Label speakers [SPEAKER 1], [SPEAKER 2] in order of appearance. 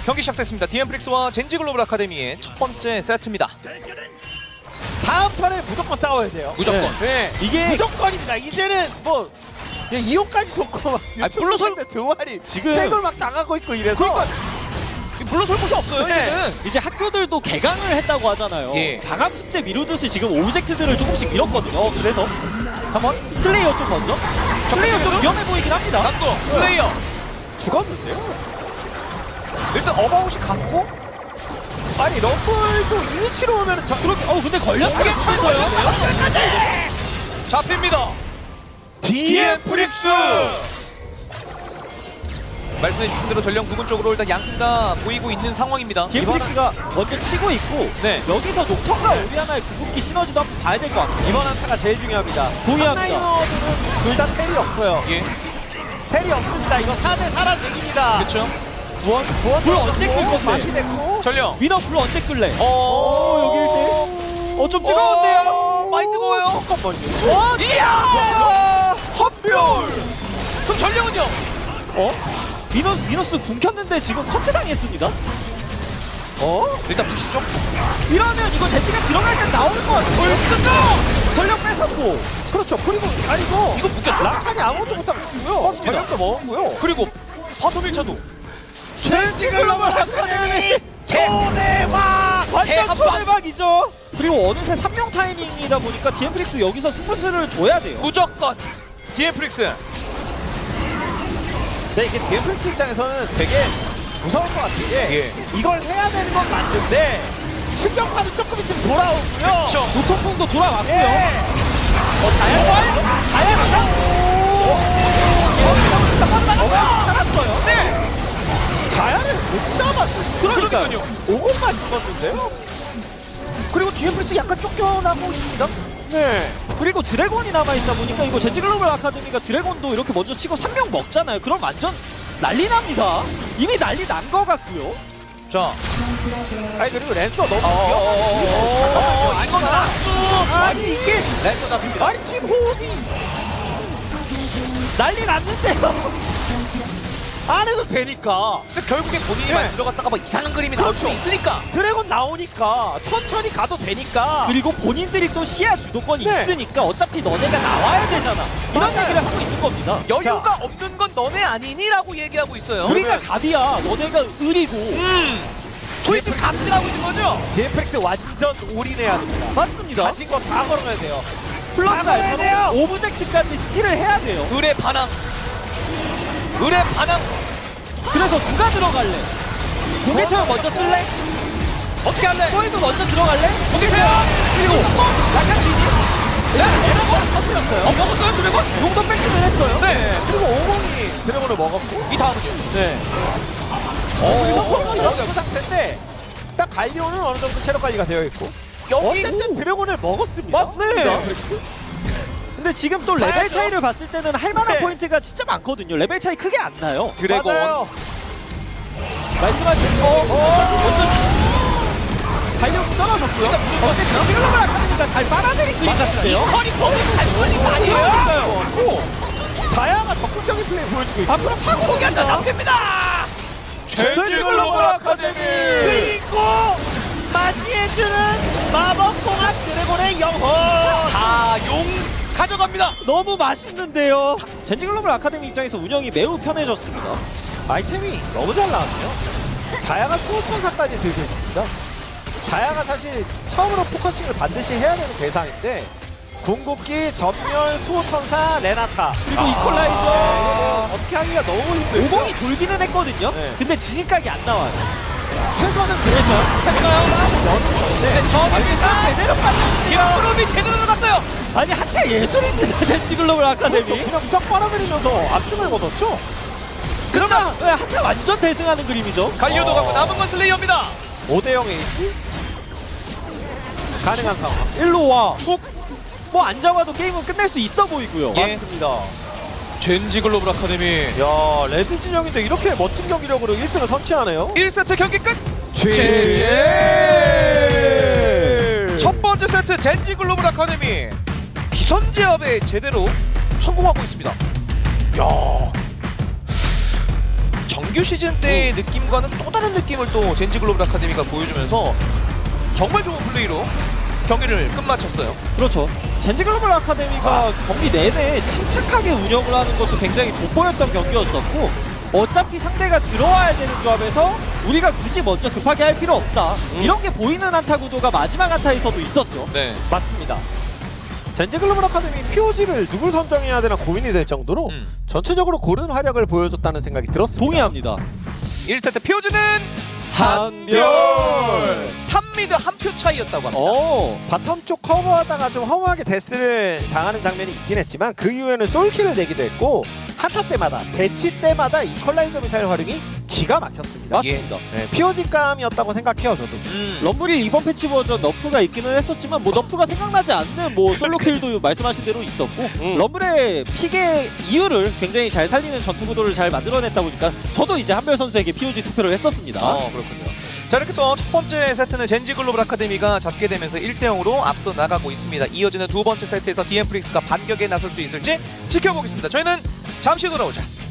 [SPEAKER 1] 경기 시작됐습니다. 디엠프릭스와 젠지 글로벌 아카데미의 첫 번째 세트입니다.
[SPEAKER 2] 다음 턴에 무조건 싸워야 돼요.
[SPEAKER 1] 무조건.
[SPEAKER 2] 네.
[SPEAKER 3] 이게
[SPEAKER 2] 무조건입니다. 이제는 뭐 이용까지 좋고 막
[SPEAKER 1] 물러설
[SPEAKER 2] 두 마리
[SPEAKER 3] 지금-
[SPEAKER 2] 책을 막 당하고 있고 이래서
[SPEAKER 1] 그러니까 물러설 곳이 없어요.
[SPEAKER 2] 네.
[SPEAKER 1] 이제는.
[SPEAKER 3] 이제 학교들도 개강을 했다고 하잖아요.
[SPEAKER 1] 예.
[SPEAKER 3] 방학 숙제 미루듯이 지금 오브젝트들을 조금씩 밀었거든요. 그래서
[SPEAKER 1] 한번
[SPEAKER 3] 슬레이어 쪽 먼저. 슬레이어 좀 위험해 보이긴 합니다.
[SPEAKER 1] 남도 플레이어.
[SPEAKER 2] 죽었는데요.
[SPEAKER 1] 일단 어바웃이 갔고
[SPEAKER 2] 아니 럼블도 이 위치로 오면은 저 그렇게
[SPEAKER 3] 근데 걸렸겠면서요.
[SPEAKER 1] 잡힙니다. 디엠프릭스. 말씀해 주신 대로 전령 부분 쪽으로 일단 양팀 다 보이고 있는 상황입니다.
[SPEAKER 3] 디엠프릭스가 먼저 치고 있고
[SPEAKER 1] 네.
[SPEAKER 3] 여기서 녹턴과 오리아나의 궁극기 시너지도 한번 봐야 될 것 같아요.
[SPEAKER 2] 이번 한타가 제일 중요합니다.
[SPEAKER 3] 동의합니다.
[SPEAKER 2] 탑라이너들은 둘 다 텔이 없어요.
[SPEAKER 1] 예.
[SPEAKER 2] 텔이 없습니다. 이거 4대 4란 얘기입니다.
[SPEAKER 1] 그렇죠.
[SPEAKER 2] 불
[SPEAKER 3] 불 언제 끌 건데?
[SPEAKER 2] 맛이 됐고
[SPEAKER 1] 전령.
[SPEAKER 3] 위너 불 언제 끌래?
[SPEAKER 1] 여기
[SPEAKER 3] 여기 1대. 좀 뜨거운데요?
[SPEAKER 1] 많이 뜨거워요.
[SPEAKER 2] 잠깐만요.
[SPEAKER 1] 이야! 헛별! 그럼 전령은요?
[SPEAKER 3] 미너스 궁 켰는데 지금 커트 당했습니다.
[SPEAKER 1] 일단 부시죠.
[SPEAKER 3] 이러면 이거 제트가 들어갈 때 나오는 것 같아요.
[SPEAKER 1] 불끈요!
[SPEAKER 3] 전력 뺏었고.
[SPEAKER 2] 그렇죠. 그리고 아니고
[SPEAKER 1] 이거 묶였죠?
[SPEAKER 2] 라칸이 아무것도 못하고 있고요.
[SPEAKER 1] 맞습니다.
[SPEAKER 2] 전력도 먹었고요.
[SPEAKER 1] 그리고 바텀 1차도
[SPEAKER 3] 젠지 글로벌 아카데미
[SPEAKER 2] 초대박!
[SPEAKER 3] 완전
[SPEAKER 1] 대한방!
[SPEAKER 3] 초대박이죠. 그리고 어느새 3명 타이밍이다 보니까 디엠프릭스 여기서 승부수를 둬야 돼요.
[SPEAKER 1] 무조건 디엠프릭스.
[SPEAKER 2] 네, 이게 디엠플스 입장에서는 되게 무서울 것 같은 게
[SPEAKER 1] 예.
[SPEAKER 2] 이걸 해야 되는 건 맞는데 충격파도 조금 있으면 돌아오고요.
[SPEAKER 1] 그쵸.
[SPEAKER 3] 노통풍도 돌아왔고요.
[SPEAKER 2] 예.
[SPEAKER 3] 살았어요.
[SPEAKER 1] 네!
[SPEAKER 2] 자야를 못 잡았어요.
[SPEAKER 3] 그러니까요.
[SPEAKER 2] 5분만 죽었는데요.
[SPEAKER 1] 그리고 디엠프릭스 약간 쫓겨나고 있습니다.
[SPEAKER 2] 네.
[SPEAKER 3] 그리고 드래곤이 남아있다 보니까 이거 젠지 글로벌 아카데미가 드래곤도 이렇게 먼저 치고 3명 먹잖아요. 그럼 완전 난리 납니다. 이미 난리 난 것 같고요.
[SPEAKER 1] 자.
[SPEAKER 2] 아니 그리고 랜서 너무
[SPEAKER 1] 이건 낙수!
[SPEAKER 3] 아니 이게
[SPEAKER 1] 랜서 잡힙니다.
[SPEAKER 2] 아니 팀 호흡이
[SPEAKER 3] 난리 났는데요.
[SPEAKER 2] 안 해도 되니까.
[SPEAKER 1] 근데 결국에 본인이
[SPEAKER 2] 예.
[SPEAKER 1] 만들어갔다가 뭐 이상한 그림이 나올 수 있으니까.
[SPEAKER 2] 드래곤 나오니까 천천히 가도 되니까.
[SPEAKER 3] 그리고 본인들이 또 시야 주도권이
[SPEAKER 2] 네.
[SPEAKER 3] 있으니까 어차피 너네가 나와야 되잖아. 이런
[SPEAKER 2] 맞아요.
[SPEAKER 3] 얘기를 하고 있는 겁니다.
[SPEAKER 1] 여유가 없는 건 너네 아니니? 라고 얘기하고 있어요.
[SPEAKER 3] 우리가 갑이야. 너네가 을이고.
[SPEAKER 1] 소위 지금 갑질하고 있는 거죠?
[SPEAKER 2] 디엠플스 완전 올인해야 됩니다.
[SPEAKER 3] 맞습니다.
[SPEAKER 2] 가진 거 다 걸어야 돼요.
[SPEAKER 3] 플러스
[SPEAKER 2] 다 걸어야 돼요.
[SPEAKER 3] 알파로 오브젝트까지 스틸을 해야 돼요.
[SPEAKER 1] 을의 반항. 을의 반항.
[SPEAKER 3] 그래서 누가 들어갈래? 공개 체험 먼저 쓸래?
[SPEAKER 1] 어떻게 할래?
[SPEAKER 3] 포에도 먼저 들어갈래?
[SPEAKER 1] 공개 체험!
[SPEAKER 3] 그리고 약간 비디?
[SPEAKER 1] 드래곤 터뜨렸어요. 먹었어요, 드래곤?
[SPEAKER 3] 용도 뺏기는 했어요.
[SPEAKER 1] 네.
[SPEAKER 2] 그리고 50이 드래곤을 먹었고.
[SPEAKER 1] 이 다음은요?
[SPEAKER 2] 네.
[SPEAKER 1] 오,
[SPEAKER 2] 이런 그 상태인데 딱 갈리오는 어느 정도 체력 관리가 되어 있고.
[SPEAKER 1] 여기
[SPEAKER 2] 어쨌든 드래곤을 먹었습니다.
[SPEAKER 3] 맞습니다. 근데 지금 또 레벨
[SPEAKER 2] 봐야죠.
[SPEAKER 3] 차이를 봤을 때는 할 만한
[SPEAKER 2] 네.
[SPEAKER 3] 포인트가 진짜 많거든요. 레벨 차이 크게 안 나요.
[SPEAKER 1] 드래곤.
[SPEAKER 2] 맞아요.
[SPEAKER 3] 말씀하신 발력 떨어졌고요. 근데 젠지 글로벌 아카데미가 잘 빨아들인 그림 같은데요?
[SPEAKER 1] 허리 거기 잘 걸린 거 아니에요?
[SPEAKER 3] 그러니까요.
[SPEAKER 2] 자야가 적극적인 플레이 보여주고 있고.
[SPEAKER 3] 앞으로 타고
[SPEAKER 1] 포기한다, 잡힙니다!
[SPEAKER 3] 젠지 글로벌 아카데미.
[SPEAKER 2] 그리고 맞이해주는 마법공학 드래곤의 영혼.
[SPEAKER 1] 자, 용 가져갑니다.
[SPEAKER 3] 너무 맛있는데요. 젠지 글로벌 아카데미 입장에서 운영이 매우 편해졌습니다.
[SPEAKER 2] 아이템이 너무 잘 나왔네요. 자야가 수호천사까지 들고 있습니다. 자야가 사실 처음으로 포커싱을 반드시 해야 되는 대상인데 궁극기, 전멸, 수호천사, 레나타.
[SPEAKER 3] 그리고 이퀄라이저.
[SPEAKER 2] 어떻게 하기가 너무 힘들죠.
[SPEAKER 3] 오공이 돌기는 했거든요.
[SPEAKER 2] 네.
[SPEAKER 3] 근데 진입각이 안 나와요.
[SPEAKER 2] 최소는 그렇죠.
[SPEAKER 1] 네, 저기서
[SPEAKER 3] 제대로 빠졌는데요.
[SPEAKER 1] 프로비 제대로 들어갔어요.
[SPEAKER 3] 아니 한때 예술입니다. 젠지 글로벌 아카데미.
[SPEAKER 2] 그렇죠. 그냥 쫙 빨아들이면서 압승을 거뒀죠.
[SPEAKER 3] 그러나 한때 완전 대승하는 그림이죠.
[SPEAKER 1] 갈리오도 가고 남은 건 슬레이어입니다.
[SPEAKER 2] 5대0 에이스 가능한 상황.
[SPEAKER 3] 일로 와. 뭐 안 잡아도 게임은 끝낼 수 있어 보이고요.
[SPEAKER 1] 예.
[SPEAKER 2] 맞습니다.
[SPEAKER 1] 젠지 글로벌 아카데미.
[SPEAKER 2] 야, 레드 진영인데 이렇게 멋진 경기력으로 1승을 선취하네요.
[SPEAKER 1] 1세트 경기 끝.
[SPEAKER 2] GG!
[SPEAKER 1] 첫 번째 세트 젠지 글로벌 아카데미 기선제압에 제대로 성공하고 있습니다. 야, 정말 정규 시즌 때의 느낌과는 또 다른 느낌을 또 젠지 글로벌 아카데미가 보여주면서 정말 좋은 플레이로 경기를 끝마쳤어요.
[SPEAKER 3] 그렇죠. 젠지 글로벌 아카데미가 경기 내내 침착하게 운영을 하는 것도 굉장히 돋보였던 경기였었고, 어차피 상대가 들어와야 되는 조합에서 우리가 굳이 먼저 급하게 할 필요 없다. 이런 게 보이는 한타 구도가 마지막 한타에서도 있었죠.
[SPEAKER 1] 네.
[SPEAKER 2] 맞습니다. 젠지 글로벌 아카데미 POG를 누굴 선정해야 되나 고민이 될 정도로 전체적으로 고른 활약을 보여줬다는 생각이 들었습니다.
[SPEAKER 3] 동의합니다.
[SPEAKER 1] 1세트 피오즈는
[SPEAKER 2] 한별!
[SPEAKER 1] 탑미드 한 표 차이였다고 합니다.
[SPEAKER 2] 바텀 쪽 커버하다가 좀 허무하게 데스를 당하는 장면이 있긴 했지만 그 이후에는 솔킬을 내기도 했고 한타 때마다 대치 때마다 이퀄라이저 미사일 활용이 기가 막혔습니다.
[SPEAKER 3] 맞습니다.
[SPEAKER 2] 네, POG감이었다고 생각해요 저도.
[SPEAKER 3] 럼블이 이번 패치 버전 너프가 있기는 했었지만 뭐 너프가 생각나지 않는 뭐 솔로킬도 말씀하신 대로 있었고 럼블의 픽의 이유를 굉장히 잘 살리는 전투 구도를 잘 만들어냈다 보니까 저도 이제 한별 선수에게 POG 투표를 했었습니다.
[SPEAKER 1] 그렇군요. 자, 이렇게 해서 첫 번째 세트는 젠지 글로벌 아카데미가 잡게 되면서 1대0으로 앞서 나가고 있습니다. 이어지는 두 번째 세트에서 DM프릭스가 반격에 나설 수 있을지 지켜보겠습니다. 저희는 잠시 돌아오자.